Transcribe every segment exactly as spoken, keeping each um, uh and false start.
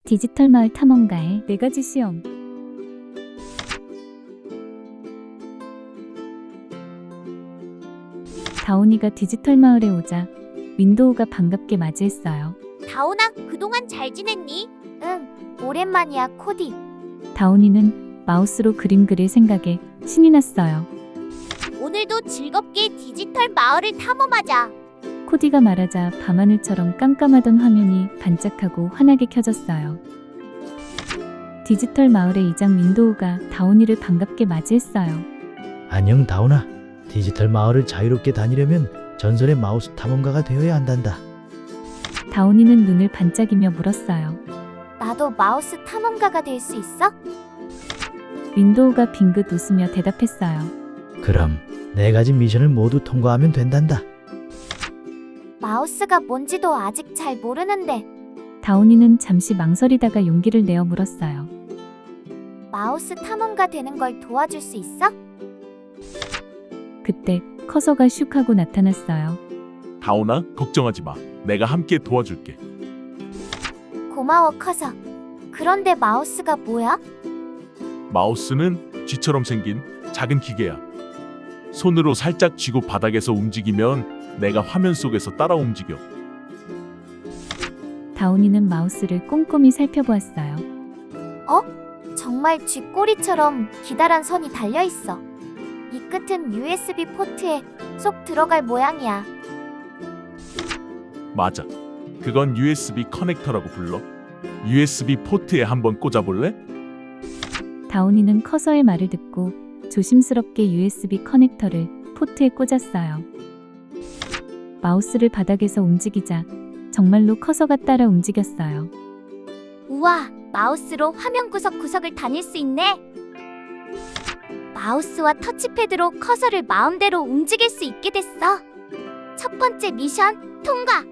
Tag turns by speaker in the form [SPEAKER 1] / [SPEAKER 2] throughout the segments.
[SPEAKER 1] 디지털 마을 탐험가의 네 가지 시험. 다온이가 디지털 마을에 오자 윈도우가 반갑게 맞이했어요.
[SPEAKER 2] 다온아, 그동안 잘 지냈니? 응, 오랜만이야, 코디.
[SPEAKER 1] 다온이는 마우스로 그림 그릴 생각에 신이 났어요.
[SPEAKER 2] 오늘도 즐겁게 디지털 마을을 탐험하자.
[SPEAKER 1] 코디가 말하자 밤하늘처럼 깜깜하던 화면이 반짝하고 환하게 켜졌어요. 디지털 마을의 이장 윈도우가 다온이를 반갑게 맞이했어요.
[SPEAKER 3] 안녕 다온아. 디지털 마을을 자유롭게 다니려면 전설의 마우스 탐험가가 되어야 한단다.
[SPEAKER 1] 다온이는 눈을 반짝이며 물었어요.
[SPEAKER 2] 나도 마우스 탐험가가 될 수 있어?
[SPEAKER 1] 윈도우가 빙긋 웃으며 대답했어요.
[SPEAKER 3] 그럼 네 가지 미션을 모두 통과하면 된단다.
[SPEAKER 2] 마우스가 뭔지도 아직 잘 모르는데
[SPEAKER 1] 다온이는 잠시 망설이다가 용기를 내어 물었어요.
[SPEAKER 2] 마우스 탐험가 되는 걸 도와줄 수 있어?
[SPEAKER 1] 그때 커서가 슉 하고 나타났어요.
[SPEAKER 4] 다온아, 걱정하지 마. 내가 함께 도와줄게.
[SPEAKER 2] 고마워, 커서. 그런데 마우스가 뭐야?
[SPEAKER 4] 마우스는 쥐처럼 생긴 작은 기계야. 손으로 살짝 쥐고 바닥에서 움직이면 내가 화면 속에서 따라 움직여.
[SPEAKER 1] 다온이는 마우스를 꼼꼼히 살펴보았어요.
[SPEAKER 2] 정말 쥐꼬리처럼 기다란 선이 달려있어. 이 끝은 유에스비 포트에 쏙 들어갈 모양이야.
[SPEAKER 4] 맞아. 그건 유에스비 커넥터라고 불러. 유에스비 포트에 한번 꽂아볼래?
[SPEAKER 1] 다온이는 커서의 말을 듣고 조심스럽게 유에스비 커넥터를 포트에 꽂았어요. 마우스를 바닥에서 움직이자 정말로 커서가 따라 움직였어요.
[SPEAKER 2] 우와, 마우스로 화면 구석구석을 다닐 수 있네. 마우스와 터치패드로 커서를 마음대로 움직일 수 있게 됐어. 첫 번째 미션 통과!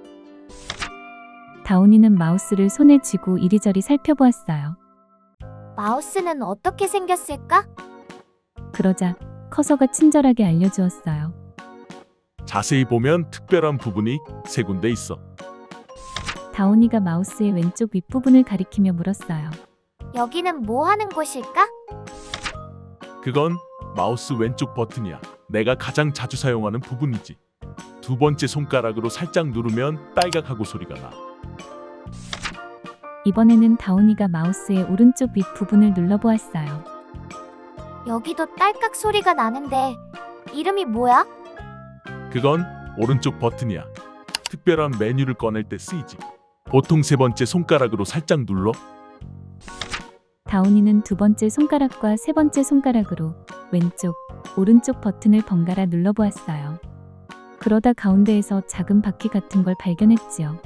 [SPEAKER 1] 다온이는 마우스를 손에 쥐고 이리저리 살펴보았어요.
[SPEAKER 2] 마우스는 어떻게 생겼을까?
[SPEAKER 1] 그러자 커서가 친절하게 알려주었어요.
[SPEAKER 4] 자세히 보면 특별한 부분이 세 군데 있어.
[SPEAKER 1] 다온이가 마우스의 왼쪽 윗부분을 가리키며 물었어요.
[SPEAKER 2] 여기는 뭐 하는 곳일까?
[SPEAKER 4] 그건 마우스 왼쪽 버튼이야. 내가 가장 자주 사용하는 부분이지. 두 번째 손가락으로 살짝 누르면 딸깍하고 소리가 나.
[SPEAKER 1] 이번에는 다온이가 마우스의 오른쪽 윗부분을 눌러보았어요.
[SPEAKER 2] 여기도 딸깍 소리가 나는데 이름이 뭐야?
[SPEAKER 4] 그건 오른쪽 버튼이야. 특별한 메뉴를 꺼낼 때 쓰이지. 보통 세 번째 손가락으로 살짝 눌러.
[SPEAKER 1] 다온이는 두 번째 손가락과 세 번째 손가락으로 왼쪽, 오른쪽 버튼을 번갈아 눌러보았어요. 그러다 가운데에서 작은 바퀴 같은 걸 발견했지요.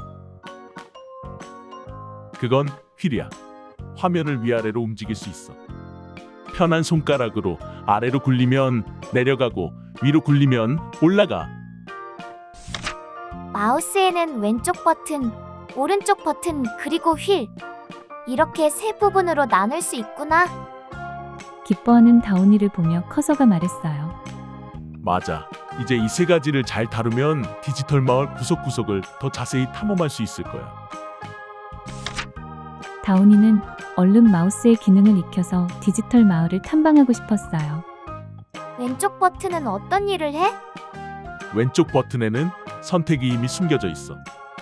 [SPEAKER 4] 그건 휠이야. 화면을 위아래로 움직일 수 있어. 편한 손가락으로 아래로 굴리면 내려가고 위로 굴리면 올라가.
[SPEAKER 2] 마우스에는 왼쪽 버튼, 오른쪽 버튼, 그리고 휠. 이렇게 세 부분으로 나눌 수 있구나.
[SPEAKER 1] 기뻐하는 다온이를 보며 커서가 말했어요.
[SPEAKER 4] 맞아. 이제 이 세 가지를 잘 다루면 디지털 마을 구석구석을 더 자세히 탐험할 수 있을 거야.
[SPEAKER 1] 다온이는 얼른 마우스의 기능을 익혀서 디지털 마을을 탐방하고 싶었어요.
[SPEAKER 2] 왼쪽 버튼은 어떤 일을 해?
[SPEAKER 4] 왼쪽 버튼에는 선택이 이미 숨겨져 있어.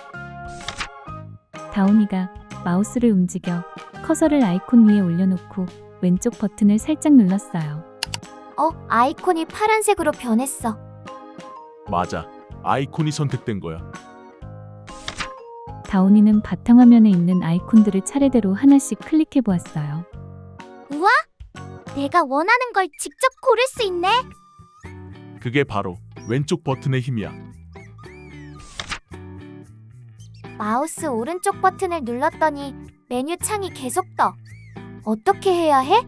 [SPEAKER 1] 다온이가 마우스를 움직여 커서를 아이콘 위에 올려놓고 왼쪽 버튼을 살짝 눌렀어요.
[SPEAKER 2] 어, 아이콘이 파란색으로 변했어.
[SPEAKER 4] 맞아. 아이콘이 선택된 거야.
[SPEAKER 1] 다온이는 바탕화면에 있는 아이콘들을 차례대로 하나씩 클릭해 보았어요.
[SPEAKER 2] 우와! 내가 원하는 걸 직접 고를 수 있네.
[SPEAKER 4] 그게 바로 왼쪽 버튼의 힘이야.
[SPEAKER 2] 마우스 오른쪽 버튼을 눌렀더니 메뉴 창이 계속 떠. 어떻게 해야 해?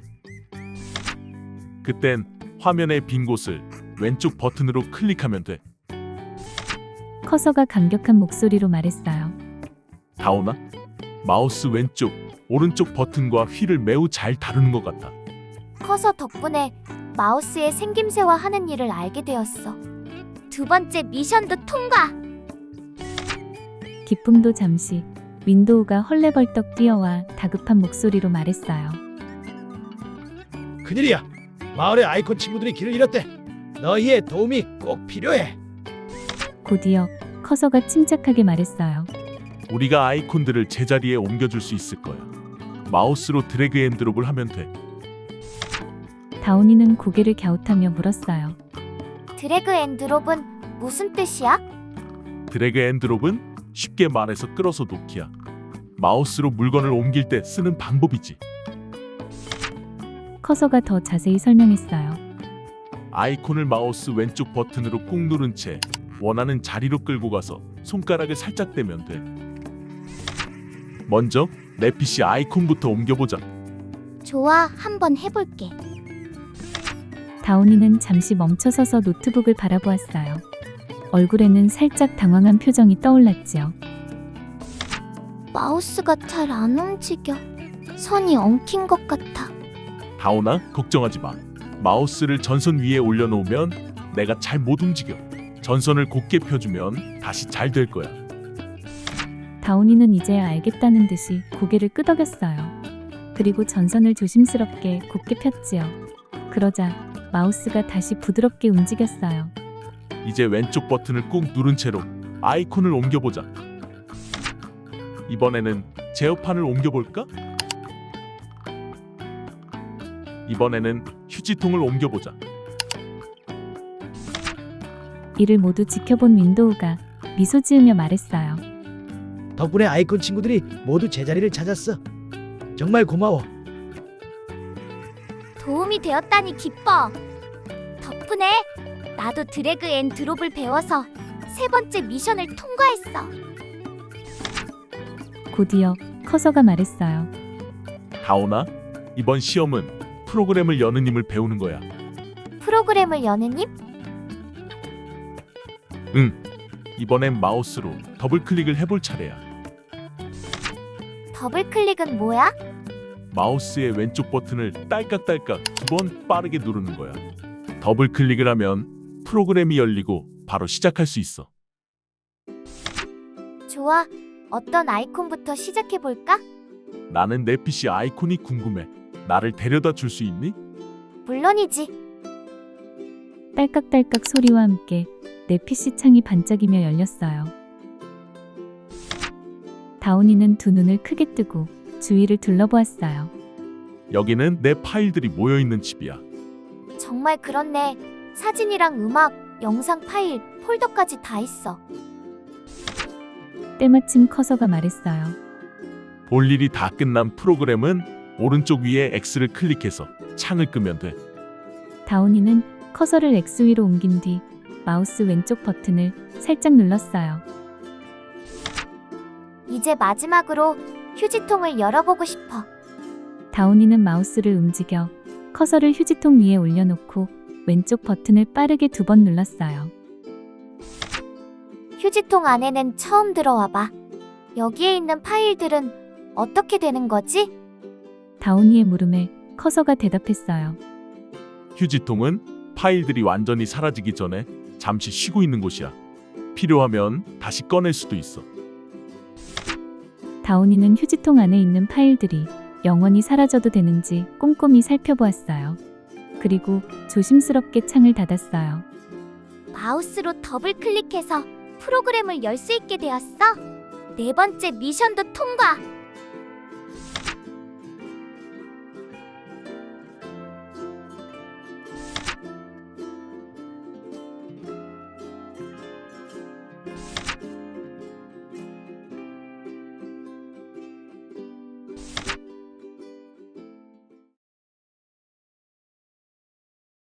[SPEAKER 4] 그땐 화면의 빈 곳을 왼쪽 버튼으로 클릭하면 돼.
[SPEAKER 1] 커서가 감격한 목소리로 말했어요.
[SPEAKER 4] 다오나? 마우스 왼쪽, 오른쪽 버튼과 휠을 매우 잘 다루는 것 같아.
[SPEAKER 2] 커서 덕분에 마우스의 생김새와 하는 일을 알게 되었어. 두 번째 미션도 통과!
[SPEAKER 1] 기쁨도 잠시, 윈도우가 헐레벌떡 뛰어와 다급한 목소리로 말했어요.
[SPEAKER 3] 큰일이야. 마을의 아이콘 친구들이 길을 잃었대. 너희의 도움이 꼭 필요해.
[SPEAKER 1] 곧이어 커서가 침착하게 말했어요.
[SPEAKER 4] 우리가 아이콘들을 제자리에 옮겨줄 수 있을 거야. 마우스로 드래그 앤 드롭을 하면 돼.
[SPEAKER 1] 다운이는 고개를 갸웃하며 물었어요.
[SPEAKER 2] 드래그 앤 드롭은 무슨 뜻이야?
[SPEAKER 4] 드래그 앤 드롭은 쉽게 말해서 끌어서 놓기야. 마우스로 물건을 옮길 때 쓰는 방법이지.
[SPEAKER 1] 커서가 더 자세히 설명했어요.
[SPEAKER 4] 아이콘을 마우스 왼쪽 버튼으로 꾹 누른 채 원하는 자리로 끌고 가서 손가락을 살짝 대면 돼. 먼저 내 피씨 아이콘부터 옮겨보자.
[SPEAKER 2] 좋아, 한번 해볼게.
[SPEAKER 1] 다운이는 잠시 멈춰서서 노트북을 바라보았어요. 얼굴에는 살짝 당황한 표정이 떠올랐지요.
[SPEAKER 2] 마우스가 잘 안 움직여. 선이 엉킨 것 같아.
[SPEAKER 4] 다운아, 걱정하지 마. 마우스를 전선 위에 올려놓으면 내가 잘 못 움직여. 전선을 곧게 펴주면 다시 잘 될 거야.
[SPEAKER 1] 다운이는 이제야 알겠다는 듯이 고개를 끄덕였어요. 그리고 전선을 조심스럽게 곧게 폈지요. 그러자 마우스가 다시 부드럽게 움직였어요.
[SPEAKER 4] 이제 왼쪽 버튼을 꾹 누른 채로 아이콘을 옮겨보자. 이번에는 제어판을 옮겨볼까? 이번에는 휴지통을 옮겨보자.
[SPEAKER 1] 이를 모두 지켜본 윈도우가 미소 지으며 말했어요.
[SPEAKER 3] 덕분에 아이콘 친구들이 모두 제자리를 찾았어. 정말 고마워.
[SPEAKER 2] 도움이 되었다니 기뻐. 덕분에 나도 드래그 앤 드롭을 배워서 세 번째 미션을 통과했어.
[SPEAKER 1] 곧이어 커서가 말했어요.
[SPEAKER 4] 다운아, 이번 시험은 프로그램을 여는 힘을 배우는 거야.
[SPEAKER 2] 프로그램을 여는 힘?
[SPEAKER 4] 응, 이번엔 마우스로 더블 클릭을 해볼 차례야.
[SPEAKER 2] 더블 클릭은 뭐야?
[SPEAKER 4] 마우스의 왼쪽 버튼을 딸깍딸깍 두 번 빠르게 누르는 거야. 더블 클릭을 하면 프로그램이 열리고 바로 시작할 수 있어.
[SPEAKER 2] 좋아. 어떤 아이콘부터 시작해볼까?
[SPEAKER 4] 나는 내 피씨 아이콘이 궁금해. 나를 데려다 줄 수 있니?
[SPEAKER 2] 물론이지.
[SPEAKER 1] 딸깍딸깍 소리와 함께 내 피씨 창이 반짝이며 열렸어요. 다운이는 두 눈을 크게 뜨고 주위를 둘러보았어요.
[SPEAKER 4] 여기는 내 파일들이 모여있는 집이야.
[SPEAKER 2] 정말 그렇네. 사진이랑 음악, 영상 파일, 폴더까지 다 있어.
[SPEAKER 1] 때마침 커서가 말했어요.
[SPEAKER 4] 볼 일이 다 끝난 프로그램은 오른쪽 위에 X를 클릭해서 창을 끄면 돼.
[SPEAKER 1] 다운이는 커서를 X 위로 옮긴 뒤 마우스 왼쪽 버튼을 살짝 눌렀어요.
[SPEAKER 2] 이제 마지막으로 휴지통을 열어보고 싶어.
[SPEAKER 1] 다운이는 마우스를 움직여 커서를 휴지통 위에 올려놓고 왼쪽 버튼을 빠르게 두 번 눌렀어요.
[SPEAKER 2] 휴지통 안에는 처음 들어와 봐. 여기에 있는 파일들은 어떻게 되는 거지?
[SPEAKER 1] 다운이의 물음에 커서가 대답했어요.
[SPEAKER 4] 휴지통은 파일들이 완전히 사라지기 전에 잠시 쉬고 있는 곳이야. 필요하면 다시 꺼낼 수도 있어.
[SPEAKER 1] 다운이는 휴지통 안에 있는 파일들이 영원히 사라져도 되는지 꼼꼼히 살펴보았어요. 그리고 조심스럽게 창을 닫았어요.
[SPEAKER 2] 마우스로 더블 클릭해서 프로그램을 열 수 있게 되었어. 네 번째 미션도 통과.